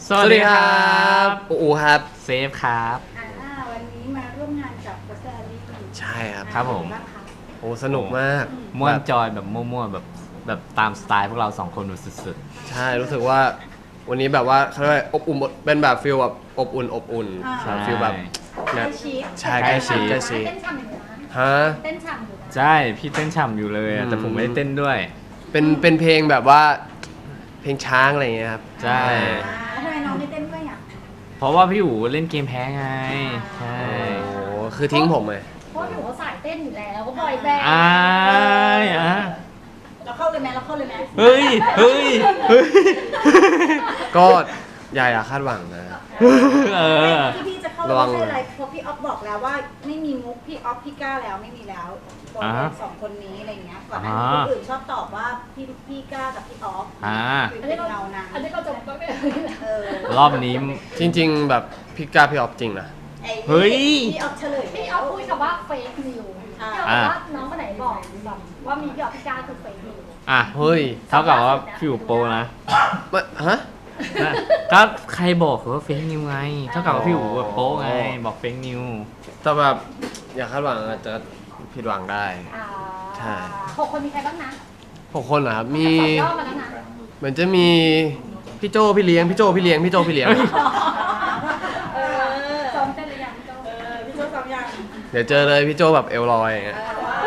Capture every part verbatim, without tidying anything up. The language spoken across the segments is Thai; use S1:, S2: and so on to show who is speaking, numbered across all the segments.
S1: สวัสดีครับอูอูครับ
S2: เซฟครับ
S3: อ่าวันนี้มาร่วมงานกับโคสเตอร์ลี่
S1: ใช่ครับ
S2: ครับผม
S1: โอ้สนุกมาก
S2: ม่วนจอยแบบมั่วๆแบบแบบตามสไตล์พวกเราสองคนสุด
S1: ๆใช่รู้สึกว่าวันนี้แบบว่าเขาเรียกว่าอบอุ่นเป็นแบบฟิลแบบอบอุ่นอบอุ่นฟิลแบบ
S3: ใกล้ชิด
S1: ใช่ใกล้ชิดใกล้ชิด
S3: เต้นฉ่ำอยู่นะ
S1: ฮะ
S3: เต้นฉ่ำอยู่นะ
S2: ใช่พี่เต้นฉ่ำอยู่เลยอะแต่ผมไม่ได้เต้นด้วย
S1: เป็นเป็นเพลงแบบว่าเพลงช้างอะไรอย่างเงี้ยครับ
S2: ใช่
S3: อ่าทำไมน้องไม่เต้นด้วยอ่ะ
S2: เพราะว่าพี่อู๋เล่นเกมแพ้ไงใช่
S1: โอ้คือทิ้งผมเลย
S3: เพราะหนูเขาสายเต้นอยู่แล้วก็บอยแบนด์
S2: อ้ายอ่ะ
S3: เราเข้าเลยไหมเราเข้าเลยไหม
S2: เฮ้ยเฮ้ยเฮ้ย
S1: ก็อย่าอย่าคาดหวังนะ
S2: เออ
S3: ที่พี่จะเข้า
S1: ระวัง
S3: ไม่ใช่อะไรเพราะพี่ออฟบอกแล้วว่าไม่มีมุกพี่ออฟพี่ก้าแล้วไม่มีแล้วบอยแบนด์สองคนนี้อะไรเงี้ยก่อนหน้านี้คนอื่นชอบตอบว่าพี่พี่ก้ากับพี่ออฟ
S2: อ่า
S3: คือเป็นเงานะ
S4: อันนี้ก็จะก็ไม่ได้
S3: เออ
S2: รอบนี้
S1: จริง ๆ แบบพี่กล้าพี่ออฟจริงนะ
S3: ไอ้
S2: เฮ้ย
S3: พี่ออฟเฉลย
S4: พี่เอาพูดคำว่าเฟกนิวพี่เอาบอกว่าน้องคนไหนบอกแบบว่ามีพี่ออฟพี่ก้าคือเฟกนิว
S2: อ่ะ
S1: เฮ้ย
S2: เท่ากับว่าพี่อู๋โปรนะ
S1: ไม่ฮะ
S2: นะก็ใครบอกว่าเฟกนิวไง เท่ากับว่าพี่อู๋แบบโป๊ไง บอกเฟกนิว
S1: แต่แบบอย่าคาดหวังอาจจะผิดหวังได้
S4: อ่า
S1: ใช่
S4: หกคนมีใครบ้างนะ
S1: หกคนเหรอครับมี
S4: สอบย่อมาแล้วนะ
S1: เหมือนจะมีพี่โจพี่เลี้ยงพี่โจพี่เลี้ยงพี่โจพี่เลี้ยง
S3: เออ
S4: ซ้อมเต้นหรือยังพี่โจ
S3: เออพี่โจ้ซ้อมยัง
S1: เดี๋ยวเจอเลยพี่โจแบบเอลลอยอย่างเงี้ย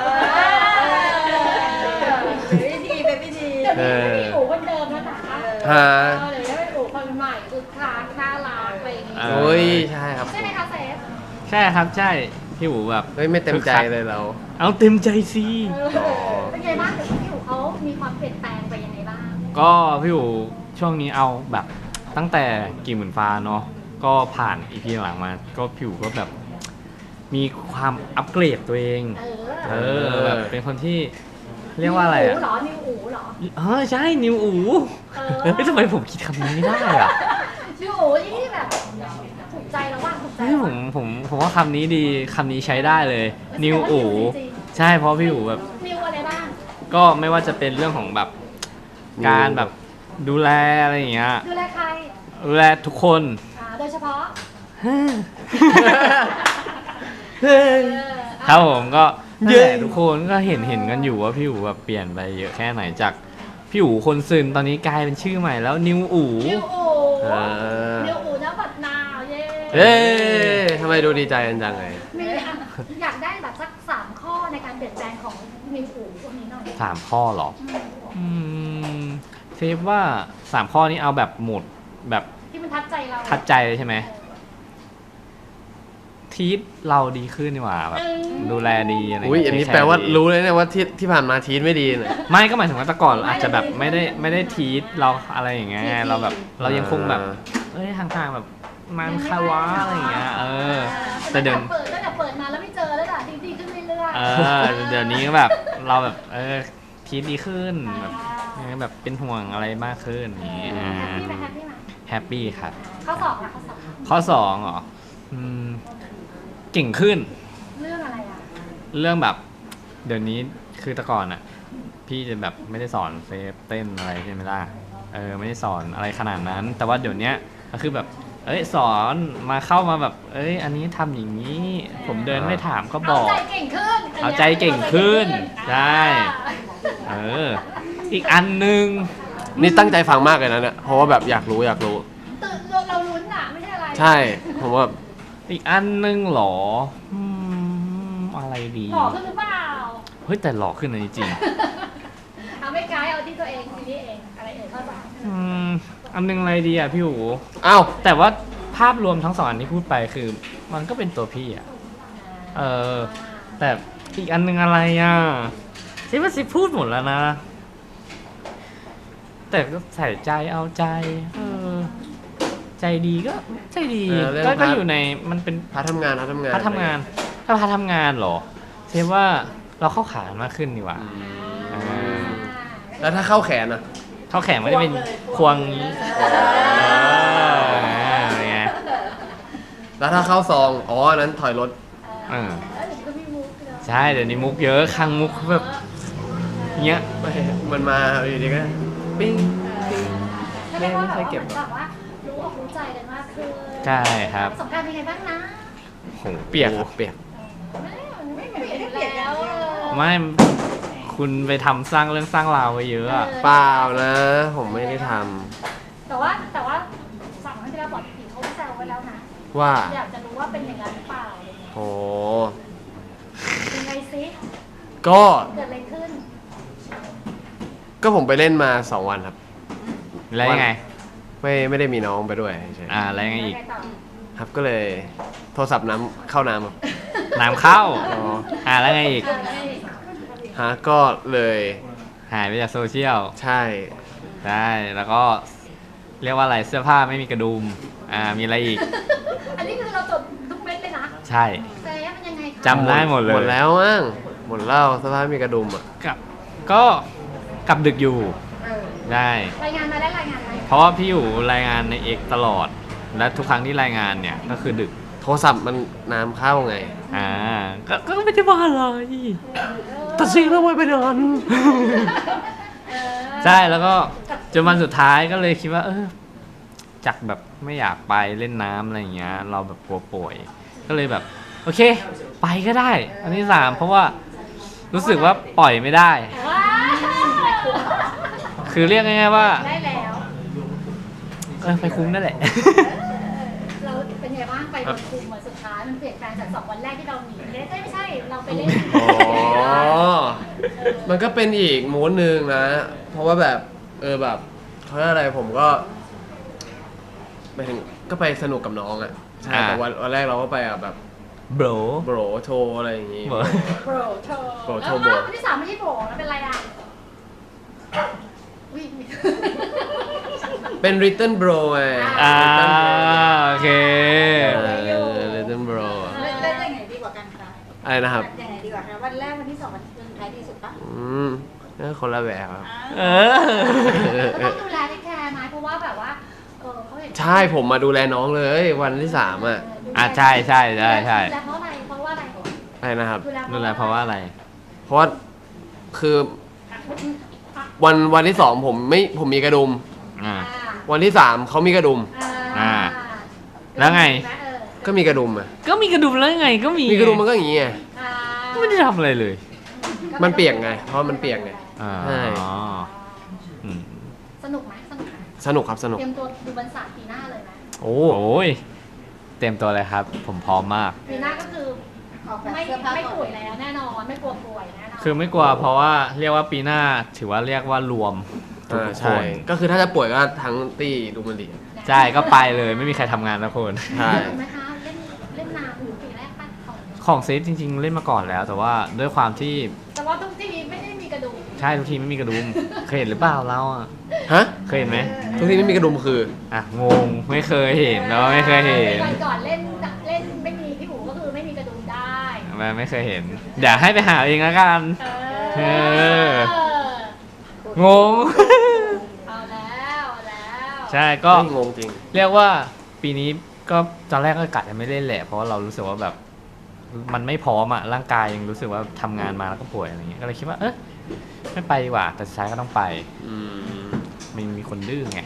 S3: เป็นพี่ดีเป็นพี่ดี
S4: เดี๋ยวนี้ไม่มีอู๋คนเดิมแล้วนะ
S1: ฮะ
S4: เออเดี๋ยวนี้เป็นอู๋คนใหม่คือคลาสน่ารักอะไรอย่างงี้
S2: เอ
S1: โอ้ยใช่ครับ
S4: ใช่ไหมคะเซฟ
S2: ใช่ครับใช่ พี่อู๋แบบ
S1: เฮ้ยไม่เต็มใจเลยเรา
S2: เอาเต็มใจสิ
S1: อ๋อ
S4: เป็นไงบ้างเดี๋ยวพี่อู๋เขามีความเปลี่ยนแปลงไปยังไงบ้าง
S2: ก็พี่อู๋ช่วงนี้เอาแบบตั้งแต่กี่หมื่นฟ้าเนาะก็ผ่านอีพีหลังมา ก็พี่อู๋ก็แบบ มีความอัปเกรดตัวเอง
S4: เออ
S2: เออแบบเป็นคนที่เรียกว่าอะไร
S4: นิว
S2: อ่ะ
S4: อู๋เหรอนิวอู๋เหรอ
S2: เออใช่นิวอู๋
S4: เออ
S2: เฮ้ยทำไมผมคิดคำนี้ไม่ได้อ่ะ
S4: นิวอู๋ที่แบบถูกใจแล้วว่าถูกใจ
S2: เฮ้ยผมผมผมว่าคำนี้ดีคำนี้ใช้ได้เลยนิวอู๋
S4: จริง
S2: ใช่เพราะพี่อู๋แบบ
S4: นิวอะไรบ้าง
S2: ก็ไม่ว่าจะเป็นเรื่องของแบบการแบบดูแลอะไรอย่างเงี้ย
S4: ดูแลใคร
S2: ดูแลทุกคน
S4: อ่าโดยเฉพาะ
S2: ครับผมก็
S1: เย้
S2: นั่นแหละทุกคนก็เห็นเห็นกันอยู่ว่าพี่อู๋แบบเปลี่ยนไปเยอะแค่ไหนจากพี่อู๋คนซึนตอนนี้กลายเป็นชื่อใหม่แล้วนิวอู๋
S4: นิวอู๋
S1: เออ
S4: นิวอู๋น้ำบัดนาวเย้
S1: เอ๊ะทำไมดูดีใจกันจังเลย
S4: มีอ่ะอยากได้แบบสักสามข้อในการเปลี่ยนแปลงของนิวอู๋พวกนี้หน่อย
S2: สามข้อเหรออืมเซฟว่าสามข้อนี้เอาแบบหมดแบบ
S4: ที่มันทัดใจเรา
S2: ทัดใจเลยใช่ไหมทีทเราดีขึ้นดีกว่าแบบดูแลดีอะไร
S1: อุ้ยอันนี้แปลว่ารู้เลยเนี่ยว่าที่ที่ผ่านมาทีนไม่ดีเนี่ย
S2: ไม่ก็หมายถึงว่าแต่ก่อนอาจจะแบบไม่ได้ไม่ได้ทีทเราอะไรอย่างเงี้ยเราแบบเรายังคงแบบเอ้ยห่างๆแบบมันคาวะอะไรอย่างเงี้ยเออ แต่เดี๋ยว
S4: เปิดตั้งแต่เปิดมาแล้วไม่เจอแล้วล่ะดีดีขึ้นเรื่อยๆ
S2: เออเดี๋ยวนี้ก็แบบเราแบบเออทีทดีขึ้นแบบเออแบบเป็นห่วงอะไรมากขึ้นอย่างเงี้ย
S4: แฮปปี้ไหมแฮปปี้ไหม
S2: แฮปปี้ครับ
S4: ข้อสองนะข้อสอง
S2: ข้อสองเหรออืมเก่งขึ้น
S4: เรื่องอะไรอ่ะ
S2: เรื่องแบบเดี๋ยวนี้คือแต่ก่อนอ่ะ พี่จะแบบไม่ได้สอนเซฟเต้นอะไรใช่ไหมล่ะเออไม่ได้สอนอะไรขนาดนั้น แต่ว่าเดี๋ยวเนี้ยก็คือแบบ เอ้ยสอนมาเข้ามาแบบ เอ้ย อันนี้ทำอย่างนี้ ผมเดินไม่ถามก็บ
S4: เอา
S2: อก
S4: ใจเก่งขึ้น
S2: เอาใจเก่งขึ้นใช่ เออ อีกอันหนึ่ง
S1: นี่ตั้งใจฟังมากเลยนะเนี่ยเพราะว่าแบบอยากรู้อยากรู้
S4: ตื่นเราเราลุ้นอ่ะไม่ใช่อะไร
S1: ใช่ผมว่า
S2: อีกอันหนึ่งเหรออืมอะไรดี
S4: หล่อขึ้นหรือเปล่า
S2: เฮ้ยแต่หล่อขึ้นนะจริง
S4: เอาไม่ไกด์เอาที่ตัวเองทีนี้เองอะไรเอ่ยข้อสาม
S2: ๆอืมอันหนึงอะไรดีอ่ะพี่หู
S1: อ้าว
S2: แต่ว่าภาพรวมทั้งสองอันที่พูดไปคือ มันก็เป็นตัวพี่อ่ะ เออ แต่อีกอันหนึงอะไรอ่ะซิว่าซิพูดหมดแล้วนะ แต่ก็ใส่ใจเอาใจ เออ ใจดีก็ใจดี
S1: เออเรื่อง
S2: ก็
S1: พาร์ท
S2: ก็อยู่ในมันเป็น
S1: พาทำงานพาทำงาน
S2: พาทำงาน ถ้าพาทำงานเหรอเซฟว่าเราเข้าขานมากขึ้นดีกว่า
S1: อืม
S2: เออ
S1: แล้วถ้าเข้าแขนอ่ะ
S2: เข้าแขนไม่ได้เป็นควงนี้เอออะไรเงี้ย
S1: แล้วถ้าเข้าซองอ๋ออันนั้นถอยรถ
S2: เออ
S4: เออเดี๋ยวก็มีมุกเนอะ
S2: ใช่เดี๋ยวนี้มุกเยอะคังมุกแบบเงี้ย
S1: มันมาอยู่ดีก็ปิ้งปิ้ง
S4: ใช่ไหมว่า
S1: ไม่
S4: แบบ
S1: ค่อย
S4: ว่า
S1: เก็บ
S4: เหมือนแบบว่ารู้อกรู้ใจขึ้น
S2: ใช่ครับ
S4: ประสบการณ์เป็นไงบ้างนะ
S2: โหเปียกครับเปียก
S4: ไม่มันไม่เปลี่ยนอยู่แล้วเออ
S2: ไม่คุณไปทำสร้างเรื่องสร้างราวไว้เยอะอะ
S1: เปล่านะ ผมไม่ได้ท
S4: แต่ว่าแต่ว่าฝั่งที่เราบอกผีเขาแซวไว้แล้วนะ
S1: ำว่า
S4: อยากจะรู้ว่าเป็นอย่างนั้นหรือเปล่าอะไรเงี้ย
S1: โอ้
S4: ยังไงซิ
S1: ก็
S4: เกิดอะไรขึ้น
S1: ก็ผมไปเล่นมาสองวันครับ
S2: แล้วยังไง
S1: ไม่ไม่ได้มีน้องไปด้วยเฉย
S2: อ่าแล้วยังไงอีก
S4: แล้วไงต่อ
S1: ๆครับก็เลยโทรศัพท์น้ำเข้าน้ำครับ
S2: น้ำเข้า
S1: อ๋อ
S2: อ่าแล้วไงอีก
S4: เออแล้วไงอีก
S1: ฮะก็เลย
S2: หายไปจากโซเชียล
S1: ใช่
S2: ได้แล้วก็เรียกว่าอะไรเสื้อผ้าไม่มีกระดุมอ่ามีอะไรอีก
S4: อันนี้คือเราจดทุกเม็ดเลยนะ
S2: ใช่
S4: แต่มันยังไงคะ
S2: จำได้หมดเลย
S1: หมดแล้วมั้งหมดแล้วสภาพมีกระดุมอ่ะ
S2: กับก็กลับดึกอยู่
S4: เออ
S2: ได้
S4: รายงานมาได้รายงานไหม
S2: เพราะว่าพี่อยู่รายงานในเอกตลอด และทุกครั้งที่รายงานเนี่ยก็คือดึก
S1: โทรศัพท์มันน้ำเข้าไง
S2: อ่าก็ก็ไม่ได้ว่าอะไร
S1: ตัดสินแล้วไว้ไปนอน
S4: เออ
S2: ใช่แล้วก็จนวันสุดท้ายก็เลยคิดว่า เออจากแบบไม่อยากไปเล่นน้ำอะไรอย่างเงี้ย เราแบบกลัวป่วย ก็เลยแบบ โอเค ไปก็ได้ อันที่สามเพราะว่ารู้สึกว่าปล่อยไม่ได้
S4: ว้าว
S2: คือเรียกง่ายๆว่า
S4: ได้แล้ว
S2: เออไปคุ้มนั่นแหละ
S4: เราเป็นไงบ้างไปวันคุมวันสุดท้ายมันเปลี่ยนแปลงจากสองวันแรกที่เราหนีเอ้ยไม่ใช่เราไปเล่น
S1: อ๋อ มันก็เป็นอีกมูดหนึ่งนะ เพราะว่าแบบ เออแบบเขาเรียกอะไรผมก็ไปถึงก็ไปสนุกกับน้องอ่ะ ใช่
S2: อ่า
S1: แต่วันวันแรกเราก็ไปอ่ะแบบ
S2: โบร
S1: โบรโชว์อะไรอย่างงี้
S2: โบร
S4: โบรโชว์
S1: โบรโช
S4: แล้ว
S1: ว์โบร
S4: วันที่สามไม่ใช่โบรแล้วเป็นอะไรอ่ะวิ่ง
S1: เป็น Written Bro ไง
S2: อ่า
S1: Written Bro
S2: โอเค
S1: เออ Written Bro
S3: เล่นเล่นยังไงดีกว่ากันคะ
S1: อะไรนะครับ
S3: ยังไงดีกว่าคะวันแรกวันที่สองวันสุดท้ายดีสุดปะ
S1: อืมก็คนละแบบครับ
S2: เอ
S3: อ่า
S2: อ
S4: ก็ต้องดูแลที่แคร์ไหมเพราะว่าแบบว่าเออเขาเห็น
S1: ใช่ผมมาดูแลน้องเลยวันที่สามอ่ะ
S2: อ่ะใช่ใช่ใช่ใช่
S4: ดูแลเพราะอะไรเพราะว่าอะไร
S1: อะไรนะครับ
S2: ดูแลเพราะว่าอะไร
S1: เพราะว่าคือวันวันที่สองผมไม่ผมมีกระดุม
S2: อ่า
S1: วันที่สามเขามีกระดุม
S2: อ่า แล้วไง
S1: ก็มีกระดุมอ่ะ
S2: ก็มีกระดุมแล้วไงก็มี
S1: มีกระดุมมันก็อย่างงี้ไง
S2: ไม่ได้ทำอะไรเลย
S1: มันเปียกไง เพราะมันเปียกไง
S2: อ๋อ
S1: ใช่
S2: อืม
S4: สนุกไหมสนุกไหม
S1: สนุกครับสนุก
S4: เตรียมตัวดูบรรษาปีหน้าเลยไหม
S1: โอ้
S2: โอ้ยเต็มตัวเลยครับ ผมพร้อมมาก
S4: ปีหน้าก็คือ
S3: ออกแบบ
S4: ไม่
S3: เสื้อผ้า
S4: ไม่
S3: ก่อน
S4: ป่วยแล้วแน่นอนไม่กลัวป่วยแน่นอน
S2: คือไม่กลัวเพราะว่าเรียกว่าปีหน้าถือว่าเรียกว่ารวมทุก
S1: อ่า
S2: ค
S1: ใช่
S2: น
S1: ก็คือถ้าจะป่วยก็ทั้งตีดูมันดี
S2: ใช่ก็ไปเลยไม่มีใครทำงานนะคน
S1: ใช่
S4: เห็นไหมคะเล่นเล่นนานอยู่ปีแรกป่ะของ
S2: ของเซฟจริง ๆ เล่นมาก่อนแล้ว แต่ว่าด้วยความที่
S4: แต่ว่าทุกทีไม่ได้มีกระดูก
S2: ใช่ทุกทีไม่มีกระดุม เคยเห็นหรือเปล่าเราอ่ะ
S1: ฮะ
S2: เคยเห็นไหม
S1: ทุกทีไม่มีกระดุมคือ
S2: อ่ะงงไม่เคยเห็นแล้วไม่เคยเห็น
S4: ก่อนก่อนเล่นเล่นไม่มีพี่หูก็คือไม่มีกระดูกได้
S2: ไม่ไม่เคยเห็นเดี๋ยวให้ไปหาเองแล้วกัน
S4: เอ
S2: เออ
S4: อง
S2: ง
S4: เอาแล้วเอาแล้ว
S2: ใช่ก็
S1: ไม่งงจริง
S2: เรียกว่าปีนี้ก็ตอนแรกก็กะจะไม่เล่นแหละเพราะว่าเรารู้สึกว่าแบบ มันไม่พร้อมอ่ะร่างกายยังรู้สึกว่าทำงานมาแล้วก็ป่วยอะไรเงี้ยก็เลยคิดว่าเออไม่ไปดีกว่าแต่สุดท้ายก็ต้องไป
S1: อืม
S2: มันมีคนดื้อไง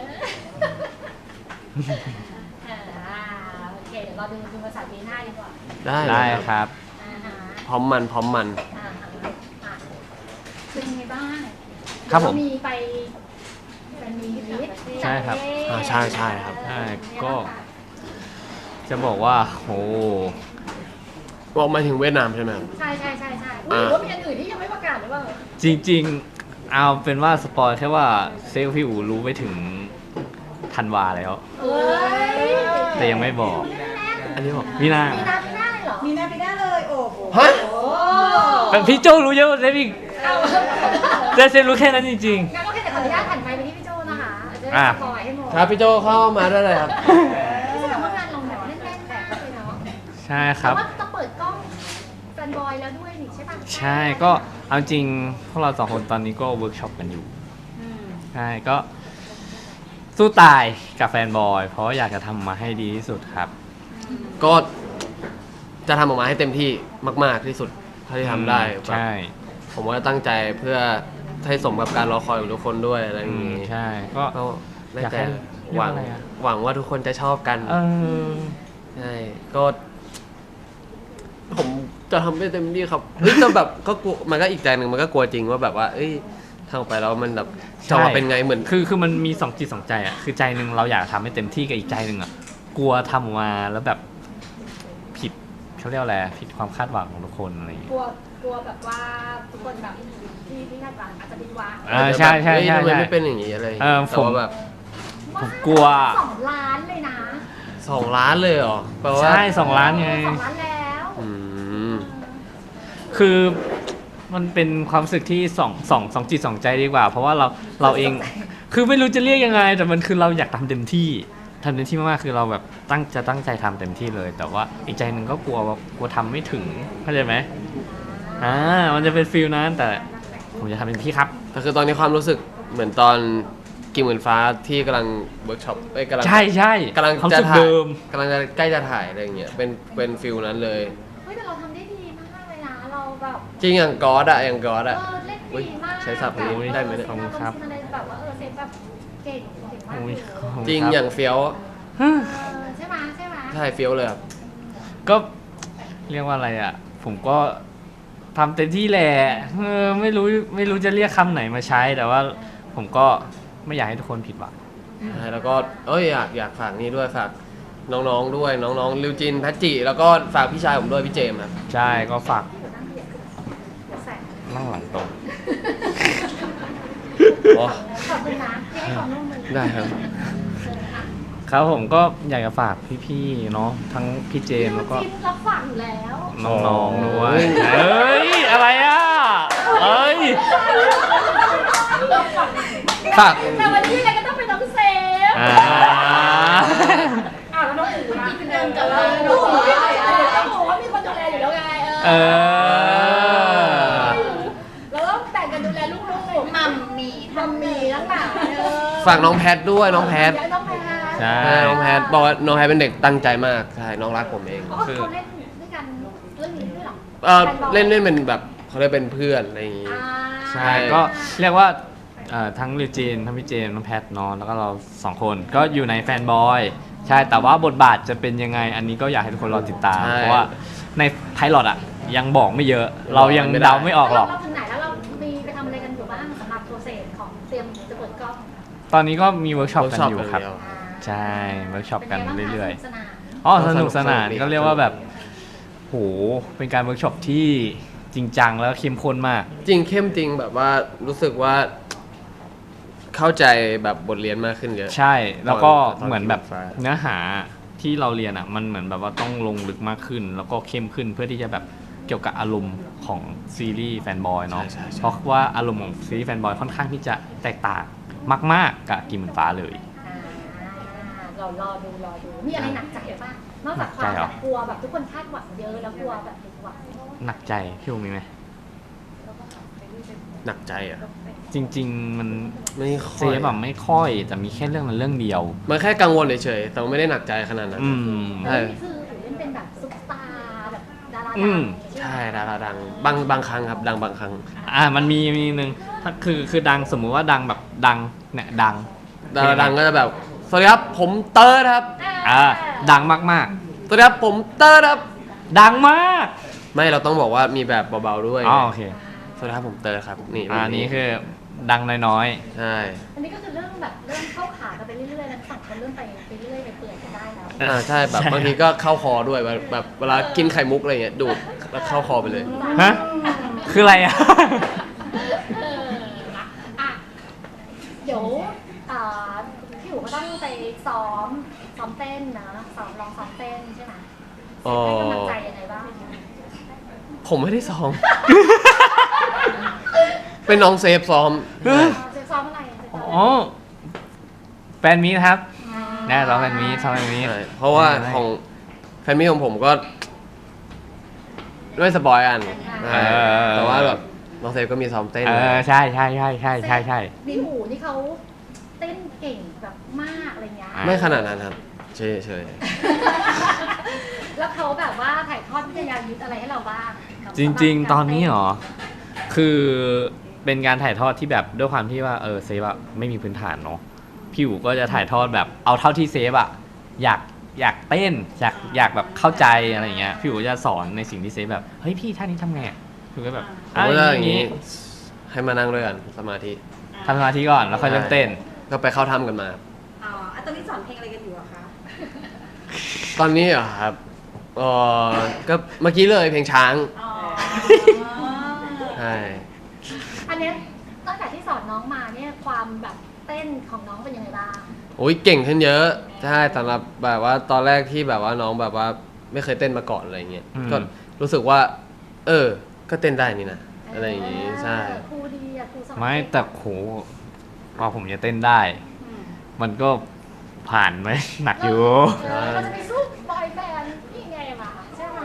S4: อ่าโอเคเดี๋ยวเราดูดูภาษาปีหน้าดีกว่า
S1: ได้เล
S2: ได้
S1: ย
S2: ค
S1: ครับ
S2: รับ
S4: อ่าฮะ
S1: พร้อมมันพร้อมมัน
S4: อ่าฮะอ่ะเป็นไงบ้าง
S2: ครับผม
S4: เดี๋ยวเามีไปเป็นมีลิสต์
S2: ใช่ครับ
S1: อ่าใช่ใช่ครับ
S2: ใช่ก็ จะบอกว่าโห
S1: บอกมาถึงเวียดนามใช่ไหมครับ
S4: ใช่ใช่ใช่ใช่อุ้ยหรือว่ามีอันอื่นที่ยังไม่ประกาศหรือเปล่า
S2: จริงๆ เอาเป็นว่าสปอยแค่ว่าเซลลพี่อูรู้ไปถึงธันวาแล้ว
S4: เอ้ย
S2: แต่ยังไม่บอก
S1: อันนี้บอก
S2: มีนา
S4: มีนาปีหน้าเลยเหรอ
S3: มีหน้าไปได้เลยโอ้โห
S1: ฮะ
S4: โอ้
S2: แต่พี่โจรู้เยอะกว่าเซฟอีก
S4: เอา
S2: แต่เซฟรู้แค่นั้นจริง
S4: งั้นก็แค่แต่ขออนุญาตผ่านไปไปที่พี่โจนะคะจะได้
S2: อ่ะ
S4: สปอยให้หมด
S1: ครับพี่โจเข้ามาได้เลยครับ
S4: ไม่ใช่แบบว่างานลงแบบเล่นๆแบบเลยเนาะ
S2: ๆ ใช่ครับ
S4: แต่ว่าจะเปิดกล้องแฟนบอยแล้วด้วยนี่ใช่ปะ
S2: ใช่ก็เอาจริงพวกเราสองคนตอนนี้ก็เวิร์กช็อปกันอยู่
S3: อืม
S2: ใช่ก็สู้ตายกับแฟนบอย เพราะอยากจะทำมาให้ดีที่สุดครับ
S1: ก็จะทำออกมาให้เต็มที่มาก ๆที่สุดเท่าที่ทำได้แบบ
S2: ใช่
S1: ผมว่าตั้งใจเพื่อให้สมกับการรอคอยของทุกคนด้วยอะไรอ
S2: อื
S1: ย่าง
S2: ม
S1: นี้
S2: ใช่ก็
S1: ก็ได้
S2: อยาก
S1: แต่
S2: ให้
S1: โอ้หวัง
S2: เรียกว่าอะไรอะ
S1: หวังว่าทุกคนจะชอบกัน
S2: เออ
S1: ใช่ก็ ผมจะทำให้เต็มที่ครับเฮ้ยแต่แบบก็กลัวมันก็อีกใจหนึ่งมันก็กลัวจริงว่าแบบว่า เอ้ยทำออกไปแล้วมันแบบจะมาเป็นไงเหมือน
S2: คือคือมันมีสองจิตสองใจอ่ะคือใจหนึ่งเราอยากทำให้เต็มที่กับอีกใจหนึ่งอ่ะกลัวทำออกมาแล้วแบบผิดเขาเรียกว่าอะไรผิดความคาดหวังของทุกคนอะไรอย่างเงี้ย
S4: กลัวกลัวแบบว่าทุกคนแบบที่ที่คาดหวังอาจจะผิดหวัง
S2: อ่าใช่ใช่ใช่
S1: เฮ้ยทำไม
S2: ใช่
S1: ไม่เป็นอย่างนี้อะไร
S2: เออ
S1: แต่
S2: ผม
S1: ว่าแบบ
S2: ผมกลัว
S4: สองล้านเลยนะ
S1: สองล้านเลยเหรอแปลว่า
S2: ใช่สองล้านไง
S4: สองล้านแล้ว
S1: อืม
S2: คือมันเป็นความรู้สึกที่สองสองสองจิตสองใจดีกว่า เพราะว่าเราเราเอง คือไม่รู้จะเรียกยังไง แต่มันคือเราอยากทำเต็มที่ทำเต็มที่มากๆคือเราแบบตั้งจะตั้งใจทำเต็มที่เลย แต่ว่าอีกใจหนึ่งก็กลัวว่ากลัวทำไม่ถึงเข้าใจไหมอ่ามันจะเป็นฟิลนั้นแต่ผมจะทำเต็มที่ครับ
S1: แต่คือตอนนี้ความรู้สึกเหมือนตอนกิ่งเหมือนฟ้าที่กำลังเวิร์กช็อปเอ้ยกำลัง
S2: ใช่ใช่
S1: กำลัง
S2: ความ
S1: จะ
S2: รู้สึก
S1: ถ่าย
S2: เดิม
S1: กำลังจะใกล้จะถ่ายอะไรอย่างเงี้ยเป็นเป็นฟิลนั้นเลย
S4: เฮ้ยแต่เราทำได้ดีมากเลยนะเราแบบ
S1: จริงอย่างกอดอะอย่างกอด
S4: เอ
S1: อะ
S4: อเล่นดีมาก
S1: ใช้ศัพท์นี้ได้ไหมเนี่ย
S4: ขอบคุณครับอะไรแบบว่าเออเซฟแบบเก่งเก่งมาก
S2: โอ้
S4: เลย ย
S2: ขอบคุณ
S1: จริง
S2: คบ
S1: อย่างเฟี้ยว
S4: เออใช่ไหมใช่ไหม
S1: ใช่เฟี้ยวเลยครับ
S2: ก็เรียกว่าอะไรอ่ะ ผมก็ทำเต็มที่แหละเออไม่รู้ไม่รู้จะเรียกคำไหนมาใช้ แต่ว่าผมก็ไม่อยากให้ทุกคนผิดหวัง
S1: ใช่แล้วก็เอ้ยอยากอยากฝากนี่ด้วยฝากน้องๆด้วยน้องๆลิวจินแพทจิแล้วก็ฝากพี่ชายผมด้วยพี่เจมส์ครับ
S2: ใช่ก็ฝาก
S4: แสง
S2: นั่งหลังตรง
S1: อ๋อ
S4: ขอบคุณนะที่ให้ความร่วมมือ
S1: ได้ครับ
S2: ครับผมก็อยากจะฝากพี่ๆเนาะทั้งพี่เจมส์แล้วก็
S4: จิ้นรับฝากอยู่แล้ว
S2: น้องๆด้วยเอ้ยอะไรอ่ะเอ้ย
S1: ฝาก
S4: แต่วันนี้ยังไงก็ต้องเป็นน้องเซฟ
S2: อ่า
S4: อ้าวแล้วน้องหมูล่ะพี่เดิมกับเราน้องหมูน้องหมูว่ามีคนดูแลอยู่แล้วไง
S2: เอ
S4: เออ
S2: อ
S4: เราต้องแบ่งกันดูแลลูกๆ
S3: มัมมี
S4: มัมมีทั้งหลายเออ
S1: ฝากน้องแพทด้วยน้องแพท
S4: แล้วน้องแพท
S2: ใช่
S1: ใช่น้องแพทบอกว่าน้องแพทเป็นเด็กตั้งใจมากใช่น้องรักผมเอง
S4: อ๋อเขาเล่นด้วยกันเรื่องนี้ด้วยเหรอ
S1: เออเล่นเล่นเป็นแบบเขาเรียกเป็นเพื่อนอะไรอย่างงี้
S4: อ่า
S2: ใช่ก็เรียกว่าเอ่อทั้งลิวจีนทั้งพี่เจมส์น้องแพทเนอนแล้วก็เราสองคนก็อยู่ในแฟนบอยใช่แต่ว่าบทบาทจะเป็นยังไง อันนี้ก็อยากให้ทุกคนรอติดตาม
S1: ใช่
S2: เพราะว่าในไพลอตอ่ะยังบอกไม่เยอะ เรายัง
S1: ไม่ได้
S2: เดาไม่ออกหรอก
S4: แล้วเราถึงไหนแล้วเรามีไปทำอะไรกันอยู่บ้างสำหรับโปรเซสของเตรียมจะเปิดกล้อง
S2: ตอนนี้ก็มีเวิร์กช็อปกัน
S1: workshop
S2: อยู่ครับ
S1: กันเดียว
S2: ใช่เวิร์กช็อปกันเรื่อย
S4: ๆสนาน
S2: ๆอ๋อสนุกสนาน
S1: สนุกดี
S2: ก็เรียกว่าแบบโหเป็นการเวิร์กช็อปที่จริงจังแล้วเข้มข้นมาก
S1: จริงเข้มจริงแบบว่ารู้สึกว่า เข้าใจแบบบทเรียนมากขึ้นเยอะ
S2: ใช่แล้วก็
S1: ตอน
S2: เหมือนแบบ
S1: ฟ้า
S2: เนื้อหาที่เราเรียนอ่ะมันเหมือนแบบว่าต้องลงลึกมากขึ้น แล้วก็เข้มขึ้นเพื่อที่จะแบบเกี่ยวกับอารมณ์ของซีรีส์แฟนบอยเนาะ
S1: ใช่ใช่ใช่
S2: เพราะว่าอารมณ์ของซีรีส์แฟนบอยค่อนข้างที่จะแตกต่างมากๆกับกิมเหมือนฟ้าเลย
S4: อ่าเรารอดูรอดูมีอะไรหนักใจบ้างนอกจากความ
S2: หนักใจเหร
S4: แบ
S2: อ
S4: บกลัวแบบทุกคนคาดหวังเยอะแล้วกลัวแบบผิดหวัง
S2: หนักใจพี่อูมีไหม
S1: หนักใจอ่ะ
S2: จริง ๆ มัน
S1: ไม่ค่
S2: เซ
S1: อย
S2: ฟแบบไม่ค่อยแต่มีแค่เรื่องนั้นเรื่องเดียว
S1: มันแค่กังวลเฉยๆแต่ว่าไม่ได้หนักใจขนาดนั้น
S2: อืม
S1: ใช่
S4: แล้วนี่คือถือเป็นแบบซุปตาร์แบบดารา
S2: อื
S4: ดัง
S2: ม
S1: ใช่ดาราดังบางบางครั้งครับ ดังบางครั้ง
S2: อ่ามันมีมีหนึ่งถ้าคือคือดังสมมุติว่าดังแบบดังเนี่ยดัง
S1: ดาราดังก็จะแบบสวัสดีครับผมเติร์ดครับ
S2: อ่าดังมาก
S1: สวัสดีครับผมเติร์ดครับ
S2: ๆ ดังมาก
S1: ไม่เราต้องบอกว่ามีแบบเบาๆด้วย
S2: อ๋อโอเค
S1: สวัสดีครับผมเติร์ดครับนี่
S2: อ่านี้คือดังน้อย
S1: ใช่
S4: อันนี้ก็คือเริ่มแบบเริ่มเข้าขากันไปเรื่อยๆแล้วสองคนเริ่มไปไปเรื่อยไปเปื่อยกันได้แล้ว
S1: อ่าใช่แบบบางทีก็เข้าคอด้วยแบบแบบเวลากินไข่มุกอะไรเงี้ยดูดแล้วเข้าคอไปเลย
S2: ๆฮะคืออะไรอ่ะ
S4: เอออ่ะเดี๋ยวอ่าพี่อู๋ก็ต้องไปซ้อมซ้อมเต้นนะซ้อมลองซ้อมเต้นใช่ไหม
S1: อ๋อ
S4: ให้กำลังใจยังไงบ้าง
S1: ผมไม่ได้ซ้อม เป็นน้องเซฟซ้อม
S2: เฮ้ย
S4: จะซ้อมอะไรจะซ้อม
S2: อ๋อแฟนมีตครับ
S4: อ่า
S2: แน่ซ้อมแฟนมีตซ้อมแฟนมีต
S1: ใช่เพราะว่าของแฟนมิตของผมก็ไม่สปอยอันใช่แต่ว่าแบบน้องเซฟก็มีซ้อมเต้น
S2: เออใช่ใช่ใช่ใช่ใช่ใช่
S4: นี่หูนี่เขาเต้นเก่งแบบมากอะไรเงี้ย
S2: อ่า
S1: ไม่ขนาดนั้นครับเฉยเฉย
S4: แล้วเขาแบบว่าถ่ายทอดวิทยายุทธอะไรให้เราบ้าง
S2: จริง ๆ ตอนนี้เหรอ คือเป็นการถ่ายทอดที่แบบด้วยความที่ว่าเออเซฟอะไม่มีพื้นฐานเนาะพี่อู๋ก็จะถ่ายทอดแบบเอาเท่าที่เซฟอะอยากอยากเต้นอยากอยากแบบเข้าใจอะไรอย่างเงี้ยพี่อู๋จะสอนในสิ่งที่เซฟแบบเฮ้ยพี่ท่านี้ทำไงอะพี่อู๋ก็แบบ
S1: ผมก็จะอย่าง
S2: นี้
S1: นี้ให้มานั่งด้วยกันสมาธิ
S2: ทำสมาธิก่อนแล้วค่อยเริ่มเต้น
S1: ก็ไปเข้าถ้ำกันมา
S3: อ๋ออ่ะตอนนี้สอนเพลงอะไรกันอยู่อะคะ
S1: ตอนนี้เหรอครับเออก็เมื่อกี้เลยเพลงช้าง
S3: อ๋อ
S1: ใช่
S4: อันเนี้ยตั้งแต่ที่สอนน้องมาเนี่ยความแบบเต้นของน้องเป็นยังไงบ้าง
S1: โอ้ยเก่งขึ้นเยอะใช่สำหรับแบบว่าตอนแรกที่แบบว่าน้องแบบว่าไม่เคยเต้นมาก่อนอะไรเงี้ย
S2: อืม
S1: ก็รู้สึกว่า เออ ก็เต้นได้นี่นะอะไรอย่างงี้ใช่
S4: ครูดีอะครูสอน
S2: ไม่แต่โหพอผมจะเต้นได้
S3: อืม
S2: มันก็ผ่านไหม หนักอยู่
S4: เออเราจะไปสู้บอยแบนด์นี่ไงมาใช่ไหม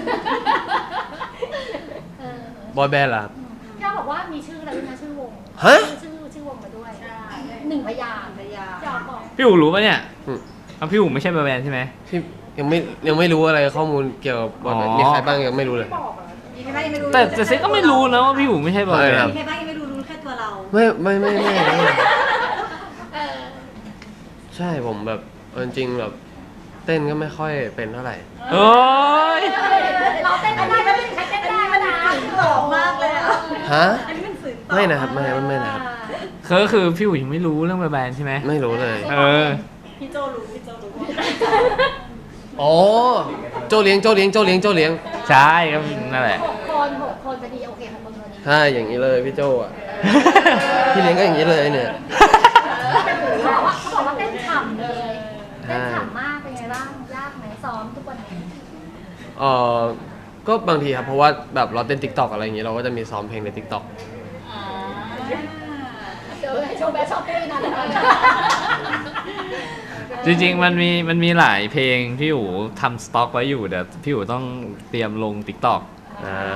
S4: เออบ
S1: อยแบนด์ล่ะ
S4: พี่อ้อบอกว่ามีชื่อแล้วด้วยนะชื่อวง
S1: ฮะ
S4: ชื่อชื่อวงมาด้วย
S3: ใช่
S4: หนึ่งพยางค์
S3: ภรรยา
S4: พี่อ้อบอก
S2: พี่อู๋รู้ปะเนี่ย
S1: อืม
S2: เอาพี่อู๋ไม่ใช่บอยแบนด์ใช่ไหม
S1: พี่ยังไม่ยังไม่รู้อะไรข้อมูลเกี่ยวกับบอยแบนด์
S2: อ๋อ
S1: มีใครบ้างยังไม่รู้เลย
S4: บอกเหรอ
S3: มีใครบ้างยังไม่รู้
S2: แต่แต่เซฟก็ไม่รู้นะว่าพี่อู๋ไม่ใช่บอยแบ
S1: ไม่
S2: น
S1: ครั
S2: ด์
S1: บ
S3: มีใครบ้างยังไม่รู้รู้แค่ตัวเรา
S1: ไม่ไม่ไม่ไม่ไม่
S4: เออ
S1: ใช่ผมแบบเอาจริงๆแบบเต้นก็ไม่ค่อยเป็นเท่าไหร่
S2: โอ้ย
S4: เราเต้นได้ไม่เป็นใครเต้นได้มานะ
S3: หล่อมากเลยอะ
S1: ฮะ
S3: อันนี้เป็นสื่อต่อ
S1: ไม่นะครับไม่ไม่ไม่นะครับ
S2: คือคือพี่อู๋ยังไม่รู้เรื่องบอยแบนด์ใช่ไหม
S1: ไม่รู้เลย
S2: เออ
S3: พี่โจรู้พี่โจรู้
S1: อ๋อโจเลี้ยงโจเลี้ยงโจเลี้ยงโจเลี้ยง
S2: ใช่ก็นั่นแหละ
S4: หกคนหกคนพอดีโอเคหกคนพอดี
S1: ใช่อย่างนี้เลยพี่โจอ่ะ พี่เลี้ยงก็อย่างนี้เลยเนี่ย
S4: เขาบอกว่าเขาบอกว่าเต้นฉ่ำเลยเต้นฉ่ำมากเป็นไงบ้างยากไหมซ้อมทุกวันนี้
S1: เออก็บางทีครับเพราะว่าแบบเราเต้นติ๊กต็อกอะไรอย่างนี้เราก็จะมีซ้อมเพลงในติ๊กต็อก
S3: อ่า
S4: เดี๋ยวโชว์แบชอปปี้นะ
S2: จริงๆมันมีมันมีหลายเพลงพี่อู๋ทำสต็อกไว้อยู่เดี๋ยวพี่อู๋ต้องเตรียมลง TikTok
S1: อ่า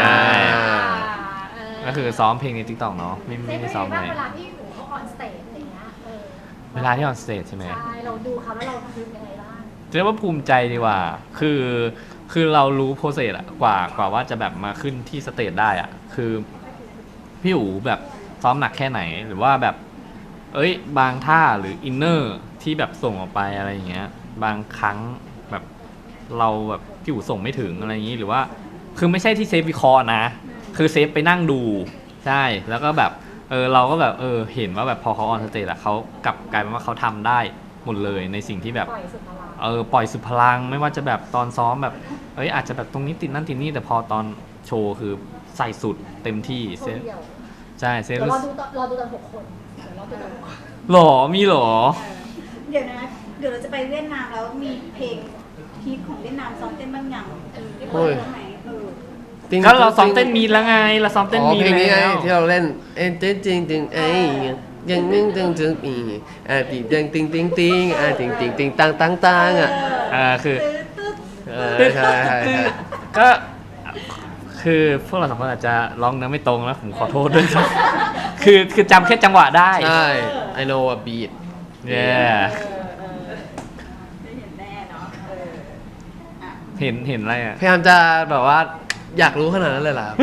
S2: ก็คือซ้อมเพลงใน TikTok เนาะไม่
S4: เต้
S2: ไม่
S4: น
S2: ได้
S4: เป็น
S2: ซ้อม
S4: ไง
S2: ไหน
S4: บ้างเวลาที่อยู่เขาออนสเตจอะไรเงี้ยเออ
S2: เวลาที่ออนสเตจใช่ไหม
S4: ใช่เราดูเขาแล้วเรารู้ยังไงบ้าง
S2: เรียกว่าภูมิใจดีกว่า คือคือเรารู้โปรเซสอะกว่ากว่าว่าจะแบบมาขึ้นที่สเตจได้อะคือพี่อู๋แบบซ้อมหนักแค่ไหนหรือว่าแบบ เอ้ยบางท่าหรืออินเนอร์ที่แบบส่งออกไปอะไรอย่างเงี้ย บางครั้งแบบเราแบบพี่อู๋ส่งไม่ถึงอะไรอย่างงี้หรือว่า คือไม่ใช่ที่เซฟวิเคราะห์นะ คือเซฟไปนั่งดูใช่แล้วก็แบบเออเราก็แบบเออเห็นว่าแบบพอเขาออนสเตจอะเขากลับกลายเป็นว่าเขาทำได้หมดเลยในสิ่งที่แบบ
S4: ปล่อยสุดพลัง
S2: เออปล่อยสุดพลังไม่ว่าจะแบบตอนซ้อมแบบเอ้ยอาจจะแบบตรงนี้ติดนั่นติดนี่แต่พอตอนโชว์คือใส่สุดเต็มที่
S4: โช
S2: เซ
S4: ว์เดียว
S2: ใช่เซ
S4: เดี๋ยว
S2: รู้
S4: รอ
S2: สึ
S4: ดู
S2: ก
S4: ตอนรอดูตอนหกคนเดี๋ยวรอดูตอนหกคน
S2: หรอมีหรอ
S3: เดี๋ยวนะ เดี๋ยวเราจะไปเวียดนามแล้วมีเพลงฮิตของเวียดนามซ้อมเต้นบ้างยังได้เปิดบ้างไหมเออ
S1: ติ๊ง
S2: ก็เราซ้อมเต้นมีดแล้วไงเราซ้อมเต้น
S1: อ๋อ
S2: มีด
S1: เพลงนี้ไง
S2: แล้ว
S1: ที่เราเล่นเอ็นเต้นจริงจริงไอ้ยังนึงตึงตึงอีอ่ะติงติงติงติงติงอ่ะติงติงติงตังตังตังอ่ะ
S2: อ่าคือ
S3: ตึ๊ดตึ๊ด
S1: เออใช่ใช่ใช่
S2: ก็คือพวกเราสองคนอาจจะร้องเนื้อไม่ตรงแล้วผมขอโทษด้วย คือคือจำแค่จังหวะได้
S1: ใช่ I know a beat
S2: เย้
S3: เออเออได้เห็นแน่เนาะเอออ่ะ
S2: เห็นเห็นอะไรอ่ะ
S1: พยายามจะแบบว่าอยากรู้ขนาดนั้นเลยเหรอครับ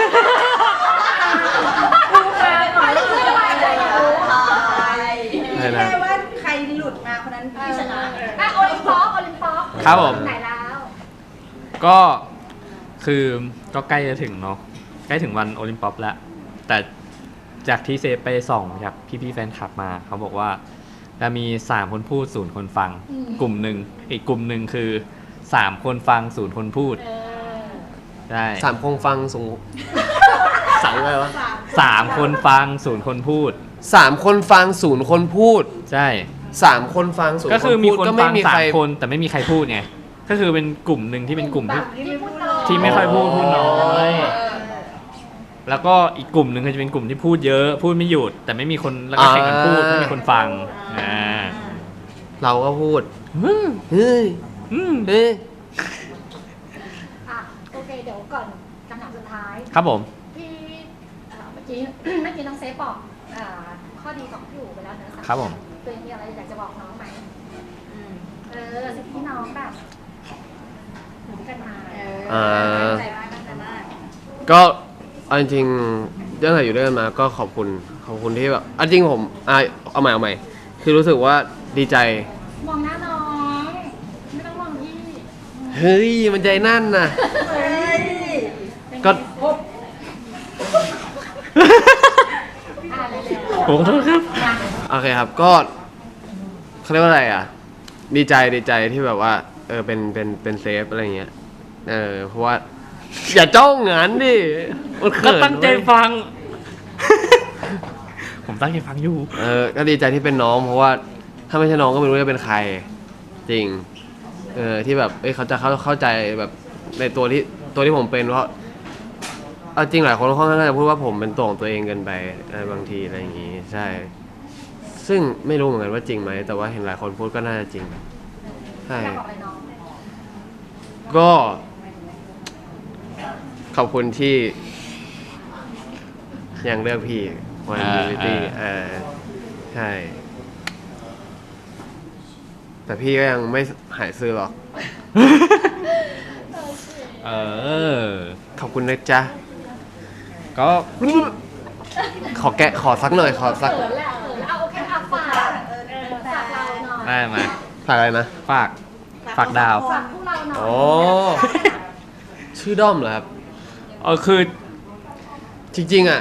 S3: ขอเลือกอะไรเลยอ่ะ
S1: ใช่นะ
S3: แค่ว่าใครหลุดมาคนนั้นที่ชนะ
S4: อ่ะโอลิมปอปโอลิมปอป
S2: ครับผม
S4: ไหนแล้ว
S2: ก็คือก็ใกล้จะถึงเนาะใกล้ถึงวันโอลิมปิกแล้ว แต่จากที่เซฟไปส่องจากพี่ๆแฟนคลับมา เขาบอกว่าจะมีสามคนพูดศูนย์คนฟัง กลุ่มหนึ่งอีกกลุ่มหนึ่งคือสามคนฟังศูนย์คนพูด
S4: เออ
S2: ใช่
S1: สามคงฟังสูงสั่งไงวะ
S2: สามคนฟังศูนย์คนพูด
S1: สามคนฟังศูนย์คนพูด
S2: ใช่
S1: สามคนฟังศูนย์
S2: ก็คือมีคน
S1: ก็
S2: ฟั
S1: ไม่
S2: ง
S1: มี
S2: สา
S1: ใคร
S2: มคนแต่ไม่มีใครพูดไงก็คือเป็นกลุ่มหนึ่งที่เป็นกลุ่มที่
S3: ที่ไม่พูดเลย
S2: ที่ไม่ค่อยพูดพูดน้อย แล้วก็อีกกลุ่มหนึ่งก็จะเป็นกลุ่มที่พูดเยอะพูดไม่หยุด แต่ไม่มีคนแล้วก็แข่งกันพูดไม่มีคนฟังอ่า
S1: เราก็พูดเฮ้ยเฮ้ย
S2: อืม
S1: เฮ้ย
S4: อ่ะโอเคเดี๋ยวก่อนคำถามสุดท้าย
S2: ครับผม
S4: พี่เอ่อเมื่อกี้ เมื่อกี้น้องเซฟบอกอ่าข้อดีของพี่อู๋ไปแล้วนะครับ
S2: ผม
S4: ตัวเองมีอะไรอยากจะบอกน้องไหม
S3: อืม
S4: เออสิ่งที่น้องแบบหนุนกันมา
S3: เออตั้งใจมากตั้งใจมาก
S1: ก็เอาจริงๆตั้งแต่อยู่ด้วยกันมาก็ขอบคุณขอบคุณที่แบบเอาจริงผมอ่ะเอาใหม่เอาใหม่คคือรู้สึกว่าดีใจ
S4: มองหน้าน้องไม่ต้องมองพี่
S1: เฮ้ยมันใจนั่นน่ะ
S3: เฮ้ย
S1: ก็
S4: อ่าเร็ว
S2: ผมขอโทษครับ
S4: ๆมา
S1: โอเคครับก็เขาเรียกว่าอะไรอ่ะ ดีใจดีใจที่แบบว่า เออเป็นเป็นเป็นเซฟอะไรเงี้ยเออเพราะว่า อย่าจ้องงานดิมัน
S2: ก็
S1: เขิน
S2: ตั้งใจ
S1: เว้ย
S2: ฟัง ผมตั้งใจฟังอยู่
S1: เออก็ดีใจที่เป็นน้อง เพราะว่าถ้าไม่ใช่น้องก็ไม่รู้จะเป็นใคร จริง เออที่แบบเอ้ยเขาจะเข้าเข้าใจแบบในตัวที่ตัวที่ผมเป็นเพราะเอาจริงหลายคนค่อนข้างจะพูดว่าผมเป็นตัวของตัวเองเกินไปอะไรบางทีอะไรอย่างงี้ใช่ ซึ่งไม่รู้เหมือนกันว่าจริงไหมแต่ว่าเห็นหลายคนพูดก็น่าจะจริงใช่
S4: อยากบอกอะไรน้อง
S1: ก็ ขอบคุณที่ ยังเลือกพี่วัน
S2: อ่า
S1: ยูนิตี้
S2: อ่า
S1: เออใช่ แต่พี่ก็ยังไม่หายซื้อหรอก
S2: เออ
S1: ขอบคุณนะจ๊ะ
S2: ก็
S1: ขอแกะขอสักหน่อย ขอสัก
S4: เขินแหละเขินแล้วเอาโอเคอ่ะฝากเออฝากเราหน่อย
S2: ได้มา
S1: ฝากอะไรนะ
S2: ฝาก ฝากดาว
S4: ฝากพวกเราหน่อย
S1: โอ้ ชื่อด้อมเหรอครับ
S2: เออคือ
S1: จริงๆอ่ะ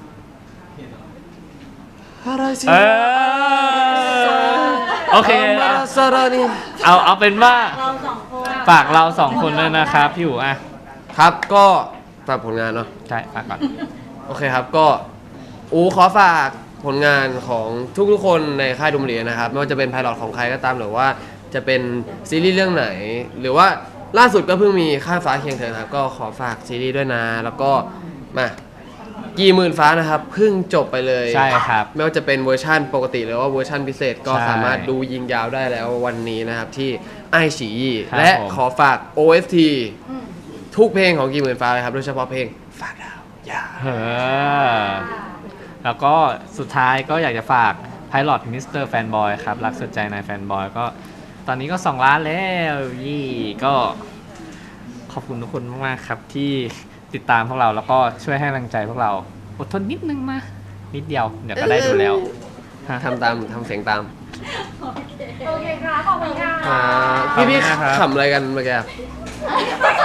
S1: อะไรสิ
S2: เออ โอเค
S1: มา
S2: อะ
S1: ซารานี่
S2: เอาเอาเป็นว่า
S3: เราสองคน
S2: ฝากเราสองคนด้วยนะครับ พี่อู๋อ่ะ
S1: ครับก็ฝากผลงานเนาะ
S2: ใช่ ฝากก่อน
S1: โอเคครับก็อูขอฝากผลงานของทุกๆคนในค่ายดุมเรียนนะครับ ไม่ว่าจะเป็นไพลอตของใครก็ตามหรือว่าจะเป็นซีรีส์เรื่องไหน หรือว่าล่าสุดก็เพิ่งมีข้ามฟ้าเคียงเธอครับ ก็ขอฝากซีรีส์ด้วยนะ แล้วก็มากี่หมื่นฟ้านะครับเพิ่งจบไปเลย
S2: ใช่ครับ
S1: ไม่ว่าจะเป็นเวอร์ชั่นปกติหรือว่าเวอร์ชั่นพิเศษก็
S2: ใช่
S1: สามารถดูยิงยาวได้แล้ววันนี้นะครับที่ไอฉีอี
S2: ครับ
S1: และ
S2: ผม
S1: ขอฝาก โอ เอส ที
S4: อืม
S1: ทุกเพลงของกี่หมื่นฟ้าเลยครับโดยเฉพาะเพลงฝากดาวอย่า
S2: เออ แล้วก็สุดท้ายก็อยากจะฝาก Pilot มิสเตอร์แฟนบอยครับ รักสุดใจนายแฟนบอยก็ตอนนี้ก็สองล้านแล้วยี่ก็ขอบคุณทุกคนมากๆครับที่ติดตามพวกเราแล้วก็ช่วยให้กำลังใจพวกเราอดทนนิดนึงมา นิดเดียว เดี๋ยวก็ได้ดูแล้วฮะ
S1: ทำตามทำเสียงตาม
S4: โอเคค่ะขอบคุณค่ะ
S1: อ่าพี่พี่
S2: ขอบคุณนะครับ
S1: ขำอะไรกันเมื่อกี้